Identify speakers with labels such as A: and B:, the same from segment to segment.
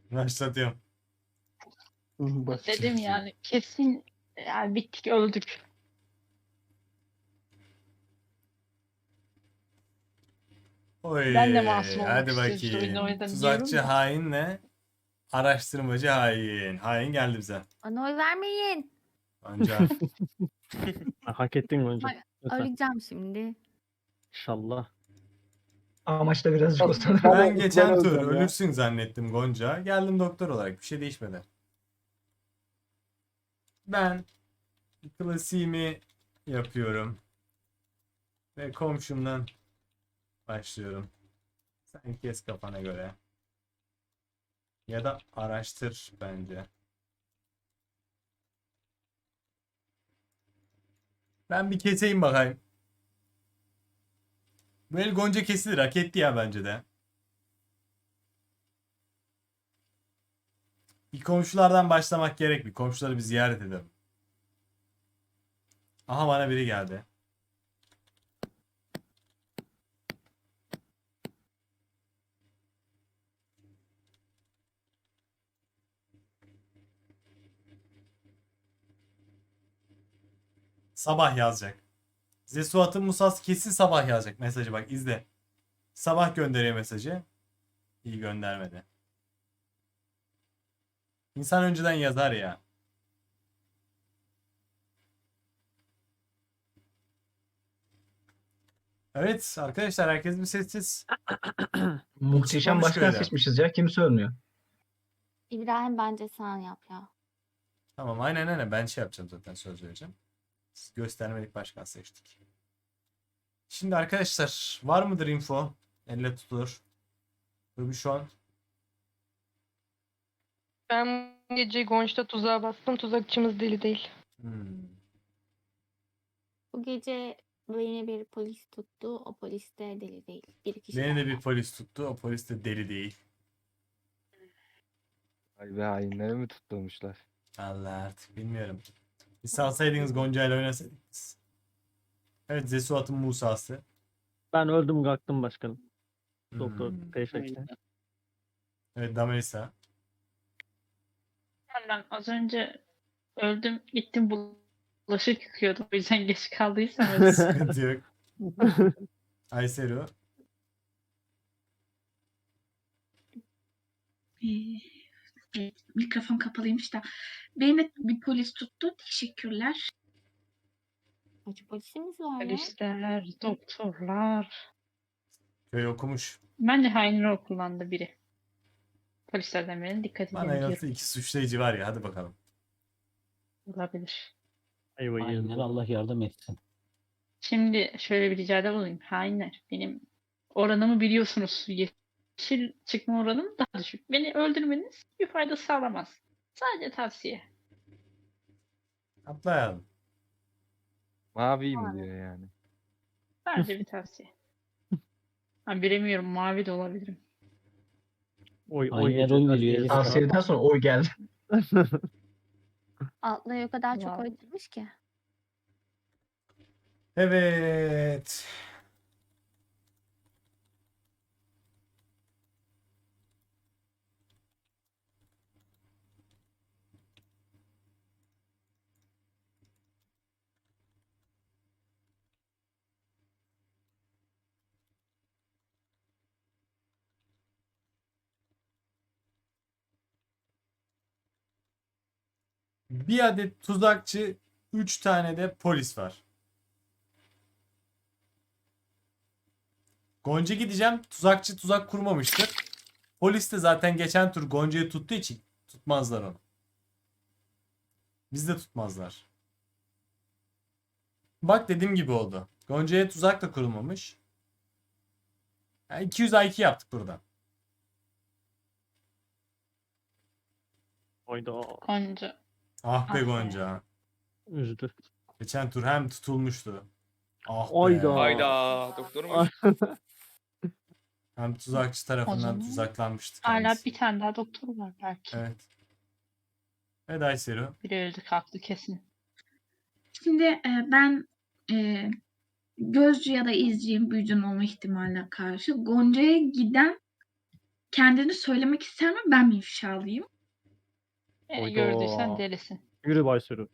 A: Başlatıyorum.
B: Dedim yani kesin yani bittik öldük.
A: Oy,
B: Ben de masum olmak
A: hadi
B: istiyorum işte oyunda, o
A: bakayım.
B: yüzden
A: Tuzakçı
B: diyorum da.
A: hainle araştırmacı hain. Hain geldi bize.
C: Bana oy vermeyin.
A: Anca.
D: Hak ettin Gonca.
C: Ay,
D: Lütfen.
C: arayacağım şimdi.
D: İnşallah.
E: Amaçla birazcık o sanırım.
A: Ben
F: Ben
A: geçen tur
F: öleceğim ya.
A: ölürsün zannettim Gonca. Geldim doktor olarak. Bir şey değişmedi. Ben klasiğimi yapıyorum. Ve komşumdan başlıyorum. Sen kes kafana göre. Ya da araştır bence. Ben bir keseyim bakayım. Bu el Gonca kesilir. Hak etti ya bence de. Bir komşulardan başlamak gerek. Bir komşuları bir ziyaret edelim. Aha bana biri geldi. Sabah yazacak. Zesuat'ın Musas kesin sabah yazacak mesajı, bak izle. Sabah gönderiyor mesajı. İyi göndermedi. İnsan önceden yazar ya. Evet arkadaşlar, herkes bir sessiz.
E: Muhteşem
A: Çıkmamış
E: başkan
A: böyle.
E: seçmişiz ya. Kimse ölmüyor.
C: İbrahim bence sen yap ya.
A: Tamam, aynen ben şey yapacağım, zaten söz vereceğim. Göstermelik başkan seçtik. Şimdi arkadaşlar, var mıdır info? Elle tutulur. Rubişon.
G: Ben gece Gonç'ta tuzağa bastım. Tuzakçımız deli değil.
C: Bu gece beni bir polis tuttu. O polis de deli değil. Bir kişi
A: Beni
C: daha
A: de bir
C: var.
A: polis tuttu. O polis de deli değil.
F: Ay be, hainleri mi tutturmuşlar?
A: Allah, artık bilmiyorum. Bir salsaydınız Gonca ile oynasaydınız. Evet, Zesuat'ın Musa'sı.
D: Ben öldüm kalktım başkanım. Doktor
A: Hmm.
D: teşekkür.
A: Evet, Damelisa.
B: Ben az önce öldüm gittim bulaşık yıkıyordum. O yüzden geç kaldıysam özür dilerim.
A: Sıkıntı yok. Ayseru.
H: Mikrofon kapalıymış da. Beni de bir polis tuttu. Teşekkürler.
C: Kaç polisimiz var ya?
B: Polisler, doktorlar.
A: Köy okumuş.
B: Bence hain rol kullandı biri. Polislerden birinin dikkat
A: Bana
B: edelim
A: yanıtı
B: diyorum.
A: iki suçlayıcı var ya, hadi bakalım.
B: Olabilir.
D: Ayva
I: Hainlere
D: yedim.
I: Allah yardım etsin.
B: Şimdi şöyle bir ricada bulunayım. Hainler, benim oranımı biliyorsunuz. Yeşil çıkma oranım daha düşük. Beni öldürmeniz bir fayda sağlamaz. Sadece tavsiye.
A: Atlayalım.
F: Mavi mi diyor yani?
B: Sadece bir tavsiye. Ha, bilemiyorum, mavi de olabilirim.
D: Oy
I: Hainler oy veriyor.
E: Tavsiyeden sonra oy geldi.
C: Altlay o kadar çok
B: Wow.
C: oy demiş ki.
A: Evet. Bir adet tuzakçı, 3 tane de polis var. Gonca gideceğim. Tuzakçı tuzak kurmamıştır. Polis de zaten geçen tur Gonca'yı tuttuğu için tutmazlar onu. Biz de tutmazlar. Bak, dediğim gibi oldu. Gonca'ya tuzak da kurulmamış. Yani 200 IQ yaptık burada.
D: Oyda
B: Gonca.
A: Ah be
B: Ah be.
A: Gonca.
D: üzdü.
A: Geçen tur hem tutulmuştu. Ah be.
D: Oyda.
J: Hayda, doktorum.
D: Ay.
A: Hem tuzakçı
B: O
A: tarafından
B: zaman
A: tuzaklanmıştı
B: Hala
A: kendisi.
B: bir tane daha doktor var belki.
A: Evet. Evet Ayseru.
B: Biri öldü kalktı kesin.
H: Şimdi ben gözcü ya da izciyim, büyücünün olma ihtimaline karşı. Gonca'ya giden kendini söylemek ister mi? Ben mi ifşa alayım?
D: Hayda.
B: Gördüysen delisin.
D: Yürü Baysoru.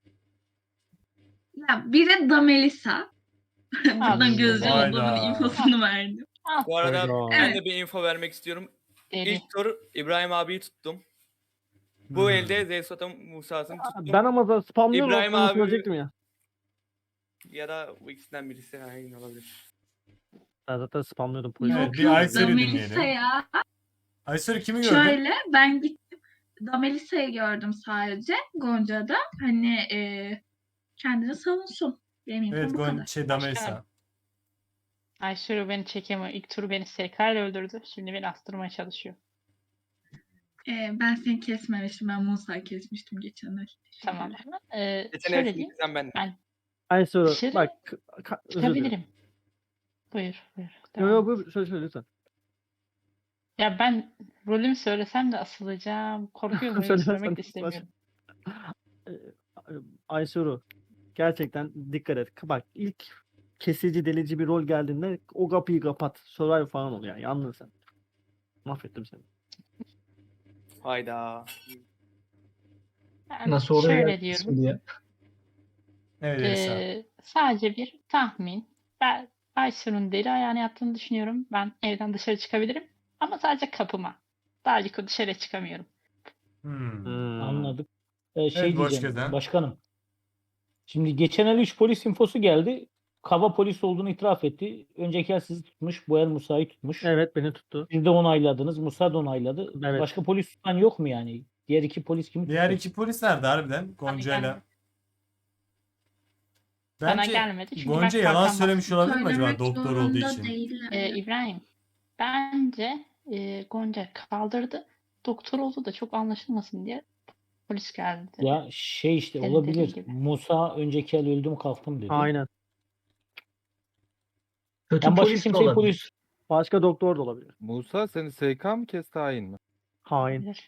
H: Ya biri da Melisa. Buradan
B: Al.
H: gözcü
A: Hayda.
H: olduğunun infosunu verdim.
B: Al.
J: Bu arada
D: Hayda.
J: ben
H: Evet.
J: de bir info vermek istiyorum.
B: Deli.
J: İlk tur İbrahim abiyi tuttum. Bu
A: Hmm.
J: elde Zeysot'un Musa'sını tuttum.
D: Ben ama da spamlıyorum.
J: İbrahim
D: İbrahim
J: abi-
D: söyleyecektim ya.
J: Ya da bu ikisinden birisi hain olabilir.
D: Ben zaten spamlıyordum polisi.
A: Evet,
H: Yok
A: bir
H: yok
A: Aysel'i
H: da Melisa
A: dinleyelim.
H: ya.
A: Aysoru kimi gördün?
H: Şöyle ben gittim. Da Melisa'yı gördüm sadece Gonca'da. Hani kendini savunsun. Benim infom
A: Evet,
H: bu kadar.
A: Damelisa.
B: Ayşe beni çekemiyor. İlk turu beni SK ile öldürdü. Şimdi beni astırmaya çalışıyor.
H: Ben seni kesmemiştim. Ben Musa'yı kesmiştim geçen ay.
B: Tamam.
J: Geçen
B: Şöyle
J: hepsini
B: diyeyim.
J: sen ben.
D: Ay soru.
B: Dışarı
D: Bak. Özür dilerim.
B: Çıkabilirim. Buyur.
D: Yok
B: Devam.
D: yok buyur. Söyle lütfen.
B: Ya ben rolümü söylesem de asılacağım. Korkuyorum. Rolümü
D: Söylemezsen
B: söylemek de
D: asılacaksın.
B: istemiyorum.
D: Aysoru. Gerçekten dikkat et. Bak ilk kesici delici bir rol geldiğinde o kapıyı kapat. Survivor falan ol yani. Yandın sen. Mahvettim seni.
J: Hayda.
B: Ben
E: Nasıl oraya
B: şöyle
E: gelmişsin
B: diyorum.
E: diye.
A: Evet Elisa.
B: Sadece bir tahmin. Ben Ayşe'nin deli ayağını yattığını düşünüyorum. Ben evden dışarı çıkabilirim. Ama sadece kapıma. Daha yukarı dışarı çıkamıyorum.
A: Hmm.
I: Anladık.
A: Evet,
I: Şey
A: boş
I: diyeceğim
A: gezen.
I: başkanım. Şimdi geçen el 3 polis infosu geldi. Kava polis olduğunu itiraf etti. Önceki el sizi tutmuş. Bu el Musa'yı tutmuş.
D: Evet beni tuttu.
I: Siz de onayladınız. Musa da onayladı.
D: Evet.
I: Başka polis tutan yok mu yani? Diğer iki polis kimi
A: Diğer
I: tuttu?
A: iki polis nerede harbiden? Gonca'yla.
B: gelmedi. Bana
A: Bence
B: gelmedi. Çünkü ben
A: Gonca yalan
B: korkan
A: söylemiş olabilir mi acaba
H: Söylemek
A: doktor olduğu
H: zorunda
A: için?
H: değiller.
B: İbrahim. Bence Gonca kaldırdı. Doktor oldu da çok anlaşılmasın diye polis geldi.
I: Ya şey işte
B: Senin
I: olabilir.
B: dediğin gibi.
I: Musa önceki el öldüm kalktım dedi.
D: Aynen.
E: Kötü
I: Ben başka
E: polis de
I: kimseyi
E: olabilir.
I: polis
D: Başka doktor da olabilir.
F: Musa seni SK mı kesti hain mi?
D: Hain.
B: Olabilir.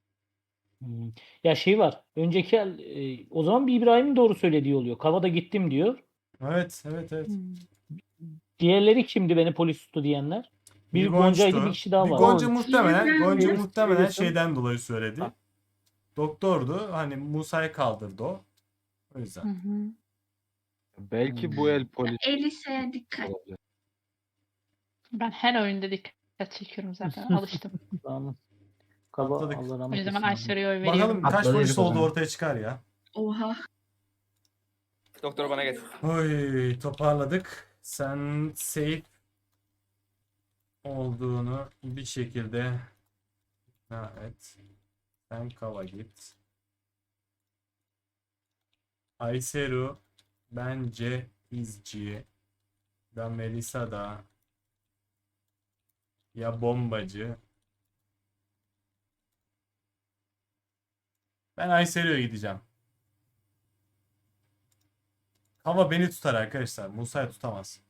I: Ya şey var. Önceki el o zaman bir İbrahim'in doğru söylediği oluyor. Kavada gittim diyor.
A: Evet, evet, evet.
B: Hmm.
I: Diğerleri kimdi beni polis tuttu diyenler? Bir
A: Bir
I: Gonca'ydı,
A: Gonç'tu.
I: bir kişi daha
A: Bir
I: var.
A: Gonca
D: Gonç.
A: muhtemelen, Gonca
D: Birisi-
A: muhtemelen
D: birisi-
A: şeyden dolayı söyledi.
I: Ha.
A: Doktordu. Hani Musa'yı kaldırdı o. O
B: Hı
A: yüzden.
B: hı.
F: Belki bu el polis
H: Elisa'ya dikkat.
F: olabilir.
B: Ben her oyunda dikkat çekiyorum zaten. Alıştım.
I: Tamam. Kaba
A: Atladık.
I: Allah
B: O
I: rahmet
B: yüzden
I: eylesin.
B: Ayşe'ye oy veriyorum.
A: Bakalım kaç
E: Atladı
A: polis
E: herif o
A: olduğu
E: zaman.
A: ortaya çıkar ya.
H: Oha.
J: Doktor bana gelsin.
A: Oy, toparladık. Sen safe olduğunu bir şekilde evet. Sen kava git. Ayseru bence izci. Da Melisa da ya bombacı. Ben Ayseru'ya gideceğim. Hava beni tutar arkadaşlar. Musa'yı tutamaz.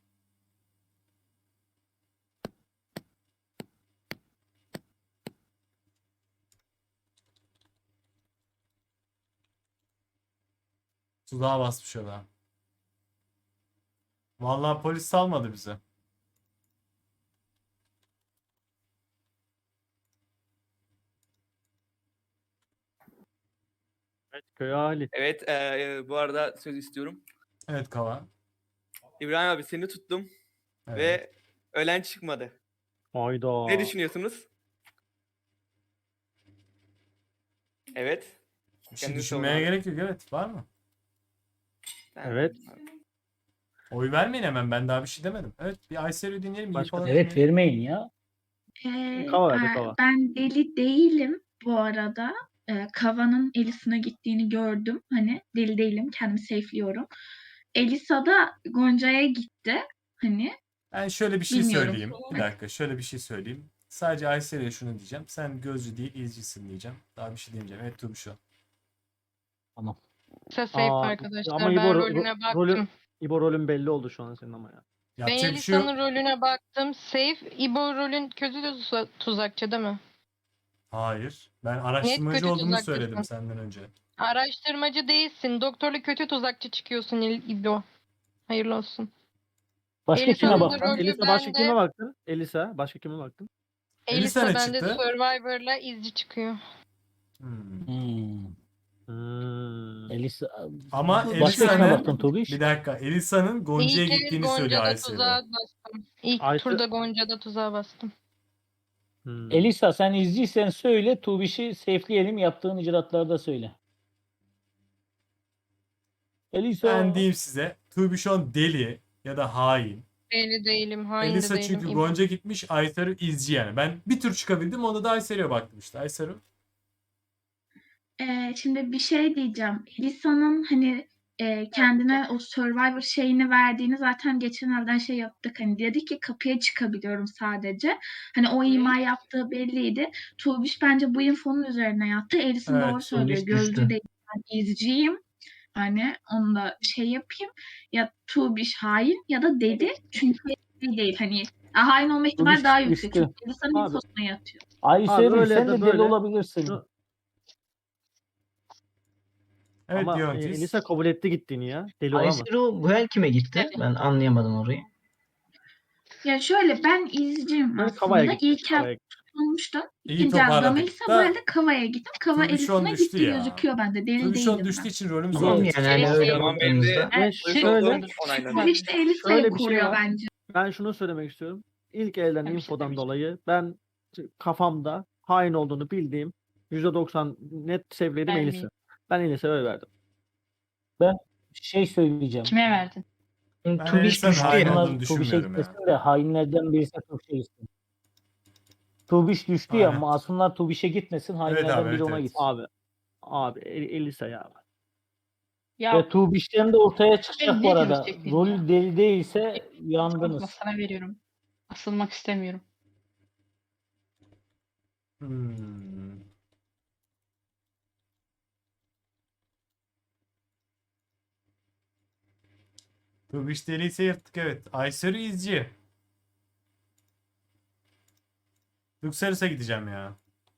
A: Tuzağa basmış o da. Vallahi polis salmadı bize.
D: Evet, köy hali.
J: Evet, bu arada söz istiyorum.
A: Evet Kava.
J: İbrahim abi seni tuttum
A: Evet.
J: ve ölen çıkmadı.
D: Hayda.
J: Ne düşünüyorsunuz? Evet.
A: Bir şey
J: Kendini
A: düşünmeye
J: savun abi.
A: gerek yok. Evet. Var mı?
J: Tamam.
D: Evet.
A: Oy vermeyin hemen. Ben daha bir şey demedim. Evet. Bir Ayseru'yu dinleyelim.
D: Başka-
A: falan
I: Evet
A: dinleyelim.
I: vermeyin ya.
D: Kava verdi, Kava.
H: Ben deli değilim bu arada. Kava'nın Elisa'na gittiğini gördüm. Hani deli değilim. Kendimi safe'liyorum. Elisa da Gonca'ya gitti. Hani
A: Ben şöyle bir şey
H: Bilmiyorum.
A: söyleyeyim. Bir dakika. Şöyle bir şey söyleyeyim. Sadece Ayseru'ya şunu diyeceğim. Sen gözcü değil, izcisin diyeceğim. Daha bir şey demeyeceğim. Evet Tubşu.
G: Kısa safe
D: Aa,
G: arkadaşlar.
D: ama
G: Ben
D: İbo
G: rolüne baktım.
D: İbo rolün belli oldu şu an senin ama ya.
A: Yapacak bir şey yok.
G: Melisa'nın rolüne baktım. Safe. İbo rolün kötü de tuzakçı değil mi?
A: Hayır. Ben
G: kötü
A: araştırmacı olduğumu
G: tuzakçısın.
A: söyledim senden önce.
G: Araştırmacı değilsin. Doktorla kötü tuzakçı çıkıyorsun İbo. Hayırlı olsun.
I: Başka
G: Elisa'nın
I: kime
G: da
I: baktın?
G: rolü
D: Elisa başka
G: bende.
D: kime baktın? Elisa başka kime baktın?
A: Elisa ne
G: Elisa bende
A: çıktı?
G: Survivor'la izci çıkıyor.
A: Hmm.
I: Elisa.
A: Ama
I: Başka kime
A: Elisa'nın
I: baktın Tubiş?
A: bir dakika, Elisa'nın Gonca'ya
G: İlk el
A: gittiğini söylüyor
G: Gonca'da
A: Ayseru.
G: tuzağa bastım. İlk
D: Ayse-
G: turda Gonca'da tuzağa bastım.
I: Elisa sen izciysen söyle, Tubiş'i safe'leyelim, yaptığın icraatlarda söyle. Elisa.
A: Ben diyeyim size, Tubişon deli ya da hain.
G: Deli değilim, hain de
A: Elisa
G: değilim.
A: çünkü Gonca gitmiş, Ayseru izci yani. Ben bir tur çıkabildim, onda da Ayseru'ya baktım işte. Ayseru.
H: Şimdi bir şey diyeceğim. Elisa'nın hani kendine o Survivor şeyini verdiğini zaten geçen elden şey yaptık. Hani dedi ki kapıya çıkabiliyorum sadece. Hani o ima yaptığı belliydi. Tuğbiş bence bu infonun üzerine yattı. Elisa
A: Evet,
H: doğru söylüyor.
E: Tuğbiş
H: Gözcü
E: düştü.
H: değil. Ben izciyim. Hani onu da şey yapayım. Ya Tuğbiş hain ya da deli. Çünkü şey değil. Hani hain olma ihtimali
I: Tuğbiş
H: daha yüksek.
I: düştü.
H: Çünkü Elisa'nın
D: Abi.
H: infosuna yatıyor.
I: Ayseru
D: öyle ya
I: sen
D: da
I: de deli
D: böyle.
I: olabilirsin.
D: Şu-
A: Evet
D: Ama
A: Diontis.
D: Elisa kabul etti gittiğini ya. Deli olamaz.
E: Ayseru bu el kime gitti? Ben anlayamadım orayı.
H: Ya şöyle ben izciyim
D: Ben Kava'ya
H: aslında.
D: gittim.
H: İlk el
D: Kava'ya gittim.
H: olmuştum.
A: İyi
H: İkinci
A: toparladık
H: elden Melisa bu
A: da
H: elde Kava'ya gittim. Kava
A: Tubişon
H: Elisa'na
A: düştü
H: gitti
A: ya.
H: gözüküyor bende. Deli
A: Tubişon
H: değilim
A: düştüğü
H: ben.
A: için rolüm
E: Tamam
A: zor.
E: yani hani öyle
J: Tamam, benim de-
E: baktığımızda.
D: Ve şöyle,
J: Onayladım.
H: Bu işte Elisa'ya
D: Şöyle bir şey
H: koruyor
D: var.
H: bence.
D: ben şunu söylemek istiyorum. İlk elden
B: Ben bir şey
D: infodan
B: demeyeceğim.
D: dolayı ben kafamda hain olduğunu bildiğim %90 net sevledim
B: Ben
D: Elisa. Ben Elisa'ya öyle verdim.
I: Şey söyleyeceğim.
B: Kime verdin?
A: Ben
E: Tubiş
A: Elisa'nın
E: düştü
A: hain
E: ya.
A: olduğunu
I: Bunlar Tubiş'e
A: düşünmüyorum ya.
I: gitmesin de hainlerden birisi çok şey istedim. Tubiş düştü ya,
A: Aynen.
I: masumlar Tubiş'e gitmesin, hainlerden
A: abi,
I: biri
A: evet,
I: ona
A: evet.
I: gitsin.
D: Abi Elisa ya.
B: Ya
I: Ve Tubiş'ten de ortaya çıkacak
B: ne
I: bu arada.
B: görecektin
I: Rol
B: ya?
I: deli değilse
B: korkma,
I: yandınız.
B: sana veriyorum. Asılmak istemiyorum.
A: Hmm. Tubiş deliyse yırttık evet. Ayseru izci. Luxarus'a gideceğim ya.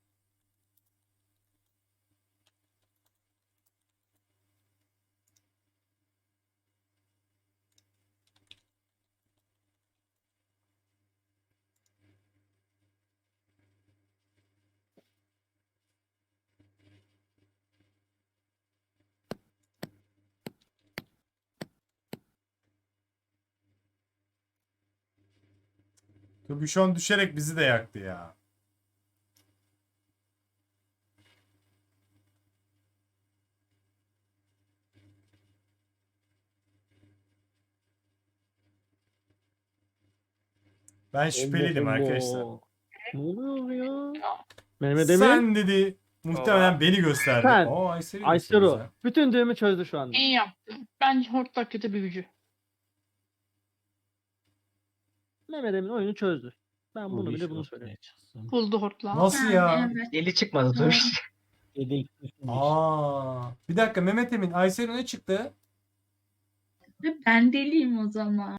A: Tubişon düşerek bizi de yaktı ya. Ben şüpheliydim
D: Allah
A: arkadaşlar.
D: Allah. Ne oluyor ya?
B: Ya,
D: Mehmet Emin.
A: Sen dedi muhtemelen
J: Baba.
A: beni gösterdi.
D: Sen,
A: Oo Ayseru.
D: Ayseru. Bütün düğümü çözdü şu anda.
B: iyi yaptın. Bence hortlak kötü büyücü.
D: Mehmet Emin oyunu çözdü. Ben bunu
I: Tubiş
D: bile bunu
I: ortaya
D: söyleyeyim.
I: çıksın.
B: Buldu hortlağı.
A: Nasıl
H: Yani
A: ya?
H: evet.
E: Eli çıkmadı Tubiş.
I: Dedektif Tubiş.
A: Aa, bir dakika Mehmet Emin Ayseru ne çıktı?
H: Ben deliyim o zaman.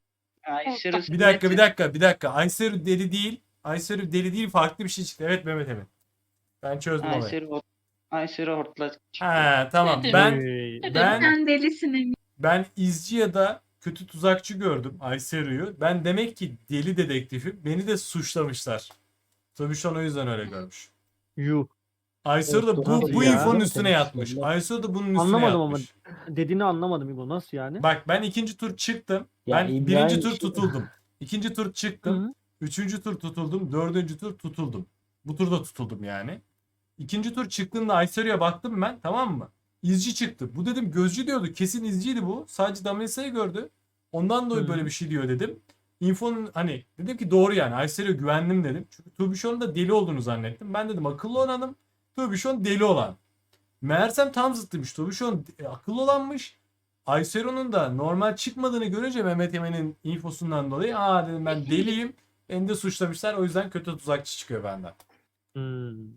A: Bir dakika. Ayseru deli değil. Ayseru deli değil, farklı bir şey çıktı. Evet Mehmet Emin. Ben çözdüm olayı.
J: Ayşe hortla.
A: Ha tamam.
B: Nedir?
A: Ben
B: Nedir?
A: ben
H: Sen delisin Emin.
A: ben izci ya da kötü tuzakçı gördüm Ayseru'yu. Ben demek ki deli dedektifim. Beni de suçlamışlar. Tobişon o yüzden öyle görmüş.
D: Yuh.
A: Ayseru da bu
D: Nasıl ya?
A: infonun üstüne
I: Temiz
A: yatmış.
I: işler.
A: Ayseru da bunun üstüne
D: Anlamadım ama.
A: yatmış.
D: Dediğini anlamadım İbo. Nasıl yani?
A: Bak ben ikinci tur çıktım.
I: Ya
A: Ben
I: İbrahim
A: birinci tur
I: şey-
A: tutuldum. İkinci tur çıktım.
D: Hı.
A: Üçüncü tur tutuldum. Dördüncü tur tutuldum. Bu turda tutuldum yani. İkinci tur çıktığında Ayseru'ya baktım ben, tamam mı? İzci çıktı. Bu dedim gözcü diyordu. Kesin izciydi bu. Sadece Damisa'yı gördü. Ondan dolayı
D: Hı.
A: böyle bir şey diyor dedim. Info'nun hani dedim ki doğru yani. Ayseru'ya güvendim dedim. Çünkü Tubişon'un da deli olduğunu zannettim. Ben dedim akıllı olanım. Tubişon deli olan. Meğersem tam zıttıymış. Tubişon akıllı olanmış. Ayseru'nun da normal çıkmadığını görünce Mehmet Emin'in infosundan dolayı aa dedim ben deliyim. Beni de suçlamışlar. O yüzden kötü tuzakçı çıkıyor benden.
D: Hmm.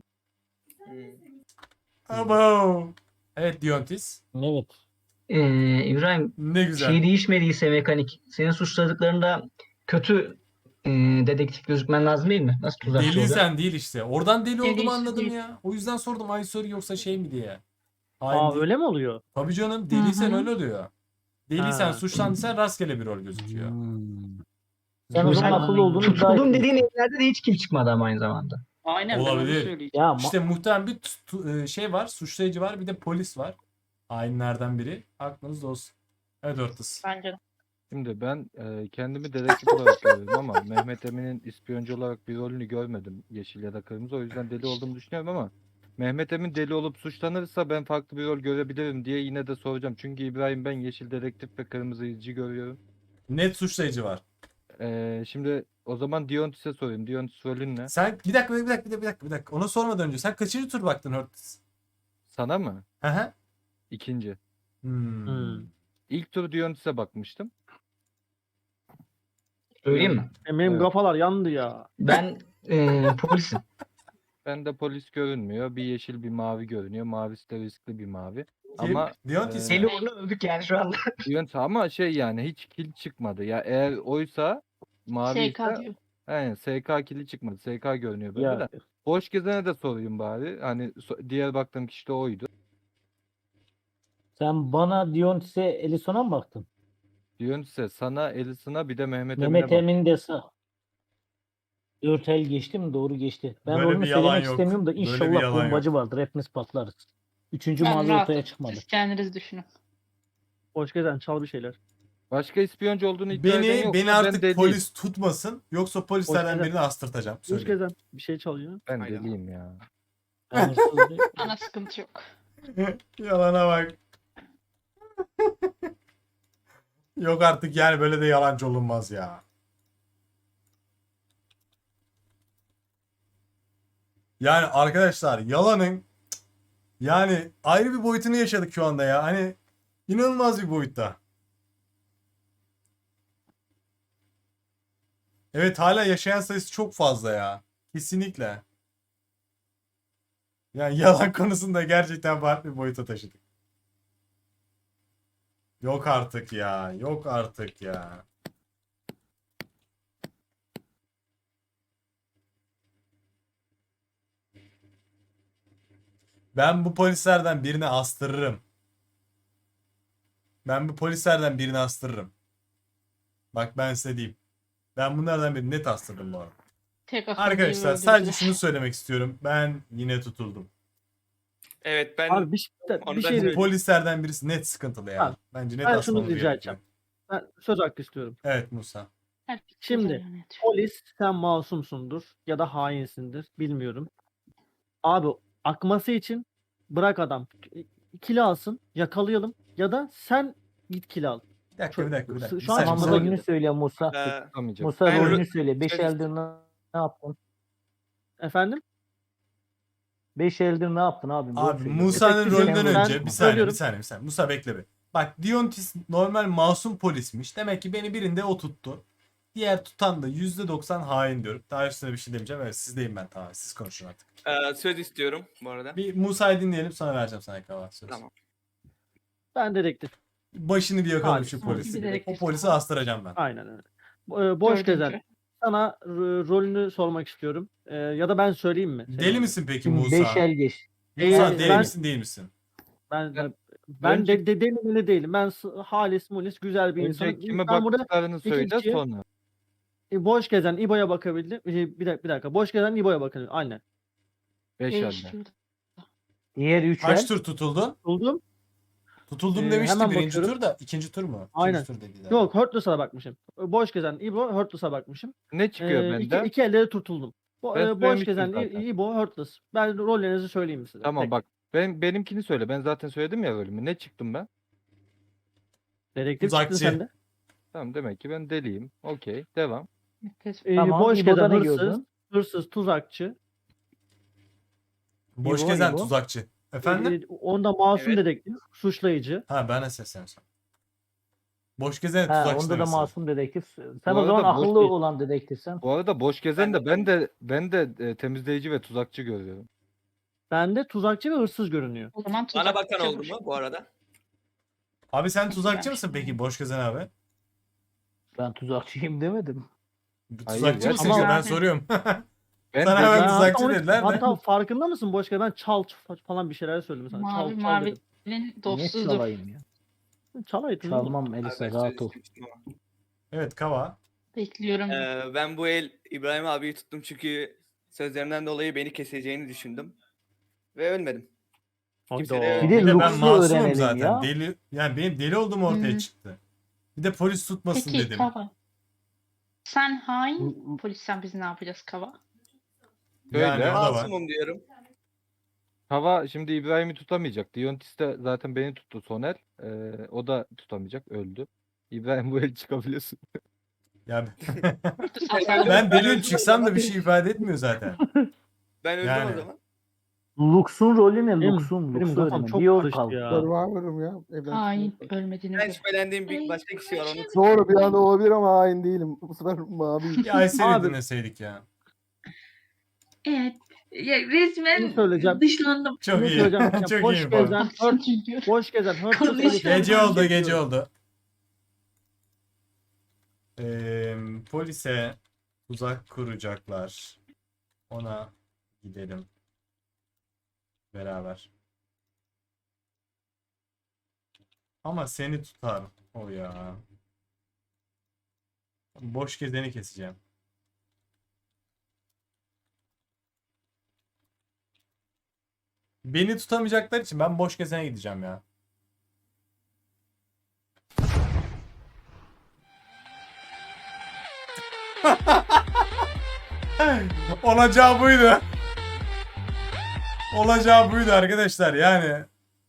A: Abo. Evet Diontis.
I: Evet.
E: İbrahim
A: Ne güzel.
E: şey değişmediyse mekanik. Senin suçladıklarında kötü dedektif gözükmen lazım değil mi? Nasıl tuzakçı oluyor?
A: Deliysen değil işte. Oradan deli olduğumu
B: Deliyse
A: anladım
B: değil.
A: ya. O yüzden sordum Aysoru yoksa şey mi diye. Hain
D: Aa
A: değil.
D: öyle mi oluyor?
A: Tabii canım deliysen
B: Hı hı.
A: öyle oluyor. Deliysen
D: Ha.
A: suçlandıysan rastgele bir rol gözüküyor.
I: Hmm. Sen o zaman
E: Sen
I: akıllı olduğunu iddia
E: tutuldum
I: ettin.
E: dediğin evlerde de hiç kill çıkmadı ama aynı zamanda.
B: Aynen ben onu
A: Olabilir.
B: söyleyeceğim.
I: Ya
A: İşte muhtemelen bir şey var, suçlayıcı var, bir de polis var. Hainlerden biri. Aklınızda olsun. Evet Ortiz.
B: Bence de.
F: Şimdi ben kendimi dedektif olarak görüyorum ama Mehmet Emin'in ispiyoncu olarak bir rolünü görmedim. Yeşil ya da kırmızı. O yüzden deli olduğumu düşünüyorum ama Mehmet Emin deli olup suçlanırsa ben farklı bir rol görebilirim diye yine de soracağım. Çünkü İbrahim ben yeşil dedektif ve kırmızıcı görüyorum.
A: Net suçlayıcı var.
F: Şimdi o zaman Diontis'e sorayım. Diontis rolün ne?
A: Sen bir dakika. Onu sormadan önce sen kaçıncı tur baktın Ortiz?
F: Sana mı?
A: Hı hı.
F: İkinci.
D: Hmm.
F: İlk tur Diontis'e bakmıştım.
E: Söyleyeyim mi?
D: Benim
F: Evet.
D: kafalar yandı ya.
E: Ben polisim.
F: Ben de polis görünmüyor. Bir yeşil bir mavi görünüyor. Mavisi de riskli bir mavi.
A: Kim?
F: Ama
A: Diontis
F: e,
A: mi?
E: Deli uğruna öldük yani şu anda.
F: Diontis ama şey yani hiç kill çıkmadı. Ya eğer oysa mavi
B: SK
F: ise
B: diyor.
F: aynen SK kill'i çıkmadı. SK görünüyor böyle
I: ya
F: de. Boş gezene de sorayım bari. Hani diğer baktığım kişi de oydu.
I: sen bana Diontis'e Elison'a mı baktın?
F: Diontis'e, sana, Elison'a bir de Mehmet
I: Mehmet
F: Emin'e bak.
I: Emin de sağ. 4 el geçti mi? Doğru geçti. Ben
A: Böyle
I: rolümü
A: bir yalan
I: söylemek
A: yok.
I: istemiyorum da
A: Böyle bir
I: inşallah
A: yalan yok.
I: bombacı vardır. Hepimiz patlarız. Üçüncü
B: Ben
I: mavi
B: rahatım.
I: ortaya çıkmadı.
B: Siz kendiniz düşünün.
D: Boş gezen çal bir şeyler.
F: Başka ispiyoncu olduğunu iddia eden yok.
A: Beni
F: Ben
A: artık
F: deliyim.
A: polis tutmasın. Yoksa polislerden
D: Boş
A: birini astırtacağım.
D: Boş
A: Söyleyeyim.
D: gezen bir şey çalıyor.
F: Ben
J: Aynen.
F: deliyim ya.
I: Ben hırsız değilim.
B: Bana sıkıntı yok.
A: Yalana bak. Yok artık yani böyle de yalancı olunmaz ya. Yani arkadaşlar yalanın yani ayrı bir boyutunu yaşadık şu anda ya. Hani inanılmaz bir boyutta. Evet hala yaşayan sayısı çok fazla ya. Kesinlikle. Yani yalan konusunda gerçekten farklı bir boyuta taşıdık. Yok artık ya. Yok artık ya. Ben bu polislerden birini astırırım. Ben bu polislerden birini astırırım. Bak ben size diyeyim. Ben bunlardan birini net astırdım bu arada.
B: Tek akıllı
A: Arkadaşlar
B: bir
A: sadece
B: öldürücü.
A: şunu söylemek istiyorum. Ben yine tutuldum.
J: Evet ben
D: Abi
J: onu
D: bir
J: ben
D: şey
J: söyleyeyim.
A: Polislerden birisi net sıkıntılı ya.
D: Abi,
A: Bence net
D: ben şunu
A: asmamız
D: rica
A: gerekiyor.
D: edeceğim. Ben söz hakkı istiyorum.
A: Evet Musa.
B: Herkes
D: Şimdi,
B: özel yönetiyor.
D: Polis sen masumsundur ya da hainsindir bilmiyorum. Abi akması için bırak adam kill alsın yakalayalım ya da sen git kill al.
A: Bir dakika bir dakika bir dakika. Bir
D: Şu an
A: saniye,
I: Tamam
A: bir
D: Musa
A: saniye.
I: rolünü
D: girdi.
I: söyle Musa.
F: Tutamayacak.
I: Musa
J: Ben
I: rolünü
J: ro-
I: söyle. 5
J: söyle-
I: eldir ne yaptın?
D: Efendim?
I: 5 eldir ne yaptın abi? Doğru
A: Abi
I: söyle.
A: Musa'nın
D: Efektif
A: rolünden
I: yani.
A: önce
D: Ben
A: bir saniye
D: söylüyorum.
A: bir saniye. Musa bekle bir. Bak Diontis normal masum polismiş. Demek ki beni birinde o tuttu. Diğer tutan da %90 hain diyorum. Daha üstüne bir şey demeyeceğim. Evet sizdeyim ben tamam. Siz konuşun artık.
J: Söz istiyorum bu arada.
A: Bir Musa'yı dinleyelim sonra vereceğim sana kahve söz.
J: Tamam.
D: Ben dedektif.
A: Başını bir yakalım
D: Halis.
A: şu
B: Bir
A: polisi. O
B: dedektif.
A: polisi astıracağım ben.
D: Aynen öyle. Boş
B: Dördüncü.
D: gezen sana rolünü sormak istiyorum. Ya da ben söyleyeyim mi?
A: Deli misin peki
I: Şimdi
A: Musa?
I: 5 el geç.
A: Musa deli
D: ben-
A: misin değil misin?
D: Ben de deli değilim. Ben halis mulis güzel bir
F: Önce
D: insanım.
F: kime
D: Ben burada
F: baktıklarını söyle
D: kişiye-
F: sonra.
D: boş gezen İbo'ya bakabildim. Bir dakika. Boş gezen İbo'ya bakabildim. Aynen.
F: 5 elde.
B: Değiştiriyordu.
I: Diğer 3
A: Kaç
I: el.
A: tur tutuldun?
D: Buldum.
A: Tutuldum
D: Ee,
A: demişti
D: hemen
A: birinci
D: bakıyorum.
A: tur da ikinci tur mu?
D: Aynen.
A: İkinci tur dediler.
D: Yok Hurtless'a bakmışım. Boş gezen İbo Hurtless'a bakmışım.
F: Ne çıkıyor benden?
D: İki elde de tutuldum.
F: Ben
D: Boş
F: söylemiştim
D: gezen
F: zaten.
D: İbo Hurtless. Ben rollerinizi söyleyeyim mi size?
F: Tamam
D: Tek.
F: bak. Benimkini söyle. Ben zaten söyledim ya rolümü. Ne çıktım ben?
D: Dedektif çıktın
A: Uzakçı.
D: sen de.
F: Tamam demek ki ben deliyim. Okey. Devam.
I: Tamam,
D: Boş
I: İbo'da
D: gezen
I: ne gördün?
D: hırsız, tuzakçı.
A: Boş
I: İbo,
A: gezen
I: İbo.
A: tuzakçı. Efendim?
D: Onda masum
J: Evet.
D: dedektif, suçlayıcı.
A: Ha ben seslensem. Boş gezen
I: Ha,
A: tuzakçı
I: onda da
A: demek
I: masum dedektif. Sen
F: Bu
I: o zaman
F: arada boş
I: akıllı
F: değil.
I: olan dedektifsen.
F: Bu arada boş gezen de ben de temizleyici ve tuzakçı görüyorum.
D: Bende tuzakçı ve hırsız görünüyor.
B: O zaman
J: Bana
B: tuzak
J: bakan oldu
B: boş.
J: mu bu arada?
A: Abi sen tuzakçı
B: Ben
A: mısın
B: şimdi-
A: peki boş gezen abi?
I: Ben tuzakçıyım demedim.
F: Hayır
A: Tuzakçı
F: ya,
A: mısın
B: ama
A: işte ben
B: abi-
A: soruyorum.
F: Ben
A: Sana
F: deliyim.
A: hemen
D: Ben
A: tuzakçı
D: hatta,
A: dediler de.
D: hatta farkında mısın boş gezen? Ben çal falan bir şeyler söyledim sana.
B: Mavi
D: Çal dedim.
B: mavinin
I: Niye
B: dostudur.
I: çalayım ya?
D: Çalaydın.
I: Çalmam
J: Abi
I: Elisa
J: ben
I: rahat
J: söz
I: ol.
J: istemiştim ama.
A: Evet Kava.
B: Bekliyorum.
J: Ben bu el İbrahim abiyi tuttum çünkü sözlerinden dolayı beni keseceğini düşündüm. Ve ölmedim. Kimse de
D: Hayda.
I: Bir de
A: Bir de ben
I: Lux'u
A: masumum
I: öğrenelim
A: zaten.
I: ya.
A: Deli, yani benim deli olduğum ortaya
B: Hmm.
A: çıktı. Bir de polis tutmasın
B: Peki
A: dedim.
B: Kava. Sen hain polisten biz ne yapacağız Kava?
A: Yani
F: Şöyle.
A: o da var.
J: masumum diyorum.
F: Hava şimdi İbrahim'i tutamayacak. Diontis de zaten beni tuttu Soner. O da tutamayacak. Öldü. İbrahim bu el çıkabiliyorsun.
A: Ya
B: Sen
A: ben deliyim, çıksam da bir şey ifade etmiyor zaten.
J: Ben öldüm
A: Yani.
J: o zaman.
I: Lux'un rolü ne?
D: Benim
I: Lux'un
D: kafam
I: öğren.
D: çok
I: Bir yol
D: karıştı
I: kaldı.
D: ya.
K: Survivor'ım ya. Evden
B: hain
K: çıkıyorum.
B: ölmediğine
J: Ben
B: göre.
J: şüphelendiğim bir başka kişi var onu
K: Doğru bir anda olabilir ama hain değilim. Bu sefer mavi.
A: Bir Aysel'i
D: Abi-
A: dinleseydik ya.
H: Evet. Ya,
D: Bunu
H: resmen
D: söyleyeceğim.
H: dışlandım.
A: Çok
D: Bunu
A: iyi.
D: söyleyeceğim.
A: Çok
D: boş
A: iyi bu.
D: gezen,
B: Baksın çünkü.
D: boş gezen,
H: Konuşuyor.
A: Gece oldu, gece
D: kesiyorum.
A: oldu. Polise tuzak kuracaklar. Ona gidelim. Beraber. Ama seni tutar o ya. Boş gezeni keseceğim. Beni tutamayacaklar için ben boş gezene gideceğim ya. Olacağı buydu. Olacağı buydu arkadaşlar yani.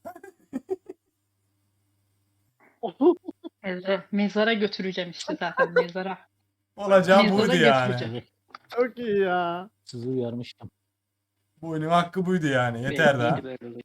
B: Mezara götüreceğim işte zaten mezara.
A: Olacağı
B: Mezara
A: buydu yani.
B: götüreceğim.
D: Çok iyi ya.
I: Sizi uyarmıştım.
A: Bu oyunun hakkı buydu yani. Yeter daha.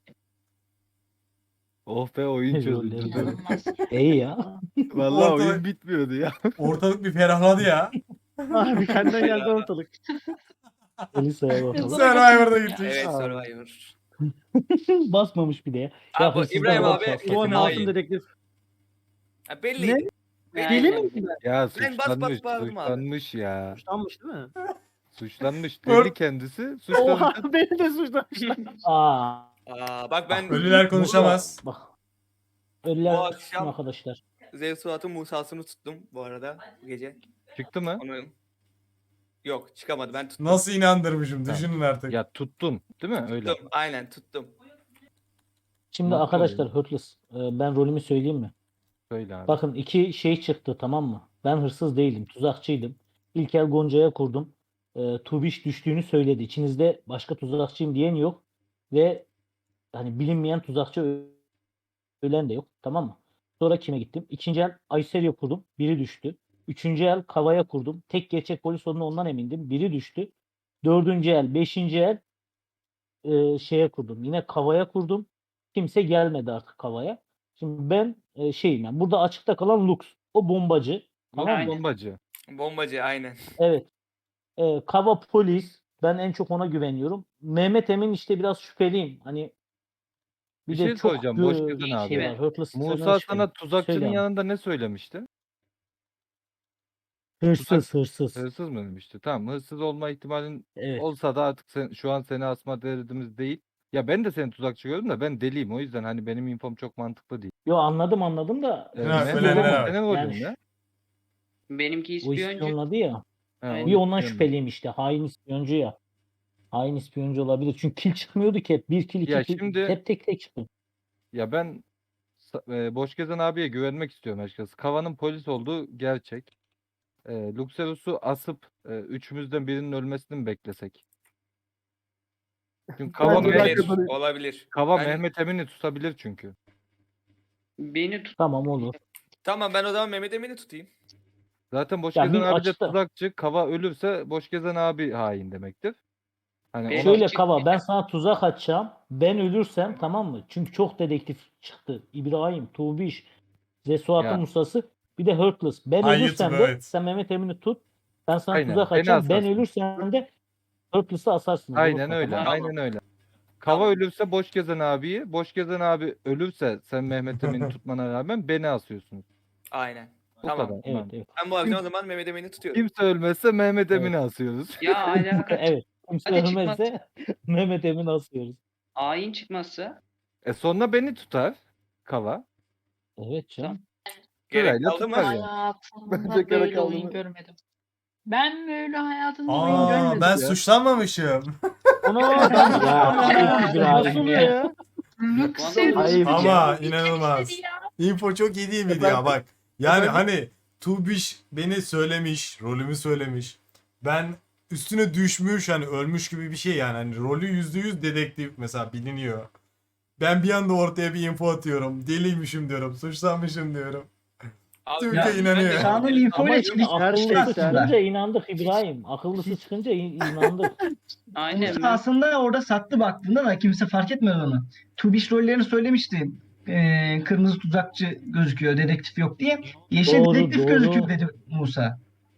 F: Oh be oyun çözüldü.
I: Rolleri
F: böyle.
B: İnanılmaz.
I: İyi ya.
F: Vallahi
A: Ortada-
F: oyun bitmiyordu ya.
A: Ortalık bir ferahladı ya.
D: Abi kendine geldi ortalık.
I: Elisa'ya bakalım.
A: Survivor'da gitmiş.
J: Evet Survivor.
I: Basmamış bir de. Ya
J: Abi,
I: hırsızlar
J: İbrahim
I: var
J: abi,
I: çok.
D: Bu
J: Kesin
D: masum
J: hain.
D: dedektif.
J: Ha, belliydi.
D: Deli miydi ben?
F: Ya
J: Ben bas
F: suçlanmış,
J: bağırdım abi.
F: suçlanmış ya.
D: Suçlanmış değil mi?
F: Suçlanmış.
A: Dur.
F: Deli kendisi.
D: Oha
F: Suçlanacak.
D: beni de suçlamışlar.
I: Aa,
J: Bak ben
A: Ölüler konuşamaz.
I: bak.
J: Bu
I: Ölüler
J: akşam-
I: arkadaşlar.
J: Zeus Suat'ın Musa'sını tuttum bu arada bu gece.
F: Çıktı mı?
J: Onu... Yok çıkamadı ben tuttum.
A: Nasıl inandırmışım
F: Tamam.
A: düşünün artık.
F: Ya tuttun. Değil mi? Öyle.
J: Tuttum aynen tuttum.
I: Şimdi
F: Nasıl
I: arkadaşlar
F: oluyor?
I: Hurtless, ben rolümü söyleyeyim mi?
F: Söyle abi.
I: Bakın iki şey çıktı, tamam mı? Ben hırsız değilim, tuzakçıydım. İlkel Gonca'ya kurdum. Tubiş düştüğünü söyledi. İçinizde başka tuzakçıyım diyen yok. Ve hani bilinmeyen tuzakçı ölen de yok. Tamam mı? Sonra kime gittim? İkinci el Aysel'e kurdum. Biri düştü. Üçüncü el Kava'ya kurdum. Tek gerçek polis olduğuna ondan emindim. Biri düştü. Dördüncü el, beşinci el şeye kurdum. Yine Kava'ya kurdum. Kimse gelmedi artık Kava'ya. Şimdi ben şeyim yani. Burada açıkta kalan Lux. O bombacı. Tamam mı?
B: Aynen.
F: Bombacı.
J: Bombacı aynen.
I: Evet. Kava polis. Ben en çok ona güveniyorum. Mehmet Emin işte biraz şüpheliyim. Hani
F: Bir
I: bir
F: şey
I: de çok
F: soracağım. Boş gezen abi.
I: şey var. Hurtless
F: Musa
I: senden
F: sana
I: şüpheliyim.
F: tuzakçının
I: Söyle abi.
F: yanında ne söylemişti?
I: Hırsız.
F: Hırsız mı demişti? Tamam, hırsız olma ihtimalin
I: Evet.
F: olsa da artık şu an seni asma derdimiz değil. Ya ben de seni tuzakçı gördüm de ben deliyim, o yüzden hani benim infom çok mantıklı değil.
I: Yo anladım da.
A: Ha,
F: Mehmet
A: ölenler
F: Emin,
A: var.
F: senin rolün
I: Yani
F: ne?
G: Benimki
I: o
G: ispiyoncu.
I: ispiyonladı ya.
F: Ha,
I: Bir
F: onu
I: ondan
F: ispiyonladı.
I: şüpheliyim işte. Hain ispiyoncu ya. Hain ispiyoncu olabilir. Çünkü kill çıkmıyordu ki hep. Bir kill, iki
F: Ya
I: kill.
F: şimdi-
I: Hep tek çıktı.
F: Ya ben Boş Gezen abiye güvenmek istiyorum açıkçası. Kava'nın polis olduğu gerçek. Luxerus'u asıp üçümüzden birinin ölmesini mi beklesek? Çünkü Kava,
K: Bence
J: Olabilir.
K: kazanayım.
J: Olabilir.
F: Kava
J: Ben-
F: Mehmet Emin'i tutabilir çünkü.
G: Beni tut.
I: Tamam olur.
J: Tamam ben o zaman Mehmet Emin'i tutayım.
F: Zaten Boş
I: Ya
F: Gezen
I: bir
F: abi de
I: açıkta-
F: tuzakçı. Kava ölürse Boş Gezen abi hain demektir. Hani
G: Benim-
F: ona
I: Şöyle
G: çık-
I: Kava, ben sana tuzak açacağım. Ben ölürsem, tamam mı? Çünkü çok dedektif çıktı. İbrahim, Tuğbiş, Zesuat'ın
F: Ya.
I: Musa'sı, bir de Hurtless. Ben
A: Ay,
I: ölürsem
A: YouTube,
I: de
A: evet.
I: sen Mehmet Emin'i tut. Ben sana
F: Aynen,
I: tuzak
F: beni
I: açacağım. Ben
F: asarsın.
I: ölürsem de Hurtless'ı asarsın.
F: Aynen
I: Unutma,
F: öyle.
I: tamam mı?
F: Aynen öyle. Kava
J: Tamam.
F: ölürse Boş Gezen abiyi, Boş Gezen abi ölürse sen Mehmet Emin'i tutmana rağmen beni asıyorsunuz.
J: Aynen.
F: Bu
J: Tamam.
F: kadar.
I: Evet,
F: Tamam.
I: evet.
J: Ben bu akşam o zaman Mehmet Emin'i tutuyorum.
F: Kimse ölmezse Mehmet
I: Evet.
F: Emin'i asıyoruz.
G: Ya alaka.
I: Evet. Kimse
G: Hadi
I: ölmezse Mehmet Emin'i asıyoruz.
G: Hain çıkmazsa.
F: Sonra beni tutar Kava.
I: Evet canım.
J: Gerek
F: Sırayla
J: kaldı mı?
F: tutar yani.
B: Hayatımda
K: Bence gerek
B: böyle
K: kaldı
B: oyun
K: mı?
B: görmedim. Ben böyle hayatımda oyun görmedim.
A: Ben suçlanmamışım.
D: Ana
I: Ya, ayıp İbrahim
D: nasıl
I: ya.
D: ya?
B: Yüksek
D: Ayıp.
A: Ama
B: bir
A: inanılmaz.
B: kere ya.
A: Info çok iyi değil miydi ya bak. Yani hani Tubiş beni söylemiş, rolümü söylemiş. Ben üstüne düşmüş hani ölmüş gibi bir şey yani. Hani rolü %100 dedektif mesela biliniyor. Ben bir anda ortaya bir info atıyorum. Deliymişim diyorum. Suçlanmışım diyorum. Türkiye inanıyor.
E: Kaan'ın info
I: Ama
E: ile
I: şimdi
E: çelişti
I: akıllısı
E: aslında.
I: çıkınca inandık İbrahim. Akıllısı çıkınca inandık.
B: Aynen.
E: Musa aslında orada sattı baktığında da kimse fark etmedi onu. Tubiş rollerini söylemişti. Kırmızı tuzakçı gözüküyor, dedektif yok diye. Yeşil
I: Doğru,
E: dedektif
I: doğru.
E: gözüküyor dedi Musa.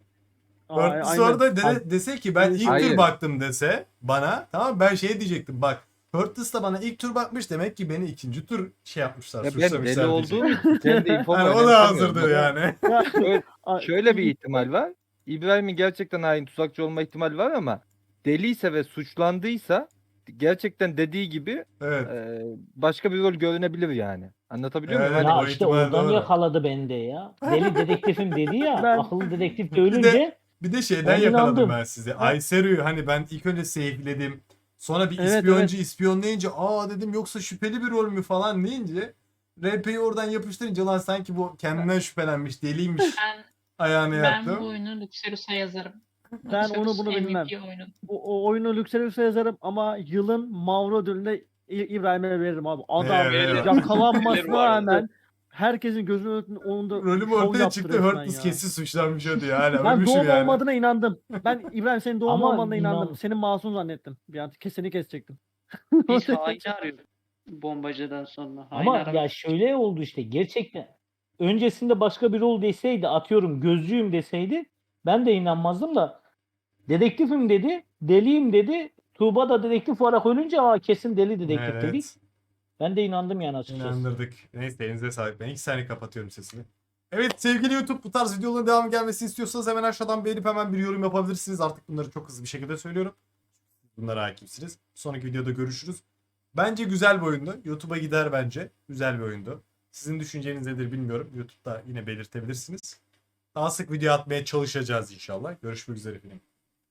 A: Örtüsü
D: Aynen.
A: orada dese ki ben ilk
F: Hayır.
A: tur baktım dese bana tamam ben şey diyecektim bak. Curtis da bana ilk tur bakmış demek ki beni ikinci tur şey yapmışlar
F: Ya ben
A: suçlamışlar
F: deli
A: diyecektim.
F: olduğum için kendi infomu
A: Hani o da
F: önemsemiyorum.
A: hazırdı yani.
F: Şöyle bir ihtimal var. İbrahim'in gerçekten hain tuzakçı olma ihtimali var ama deliyse ve suçlandıysa gerçekten dediği gibi
A: Evet.
F: başka bir rol görünebilir yani. Anlatabiliyor muyum?
A: Evet,
F: Hani
A: o
I: Ya işte
A: ihtimal
I: oradan
A: doğru.
I: yakaladı bende ya. Deli dedektifim dedi ya.
D: Ben-
I: Akıllı dedektif de
A: Bir
I: ölünce
A: de bir de şeyden
I: ona
A: yakaladım
I: inandım.
A: ben sizi. Ayseru'yu hani ben ilk önce safe'ledim. Sonra bir
D: Evet,
A: ispiyoncu ispiyonlayınca dedim yoksa şüpheli bir rol mü falan deyince RP'yi oradan yapıştırınca lan sanki bu kendinden şüphelenmiş deliymiş
B: Ben,
A: ayağını
B: ben
A: yattım.
B: bu oyunu Luxerus'a yazarım.
D: Ben onu bunu bilmem.
B: MVP oyunu.
D: O oyunu Luxemburg'a yazarım ama yılın Mavro ödülünü İbrahim'e veririm abi. Adam
A: Evet.
D: yakalanmasına rağmen herkesin gözünün önünde onda
A: Rolüm
D: şov
A: ortaya
D: yaptı
A: çıktı.
D: resmen
A: Hurtless
D: ya.
A: kesin suçlanmış o diyor. Hala
D: Ben
A: ölmüşüm
D: doğum
A: yani.
D: olmadığına inandım. Ben İbrahim senin doğum
I: Ama
D: olmadığına inandım.
I: inan-
D: Senin masum zannettim. Bir an keseni kesecektim.
L: Biz haini arıyoruz bombacıdan sonra. Haini
I: ama
L: aramak
I: ya şöyle oldu işte gerçekten. Öncesinde başka bir rol deseydi atıyorum gözcüyüm deseydi ben de inanmazdım da dedektifim dedi, deliyim dedi. Tuğba da dedektif olarak ölünce kesin deli dedektif dedi.
A: Evet.
I: Ben de inandım yani açıkçası.
A: İnandırdık. Neyse elinize sağlık. Ben 2 saniye kapatıyorum sesini. Evet sevgili YouTube bu tarz videoların devam gelmesini istiyorsanız hemen aşağıdan beğenip hemen bir yorum yapabilirsiniz. Artık bunları çok hızlı bir şekilde söylüyorum. Bunlara hakimsiniz. Sonraki videoda görüşürüz. Bence güzel bir oyundu. YouTube'a gider bence. Güzel bir oyundu. Sizin düşünceniz nedir bilmiyorum. YouTube'da yine belirtebilirsiniz. Daha sık video atmaya çalışacağız inşallah. Görüşmek üzere efendim.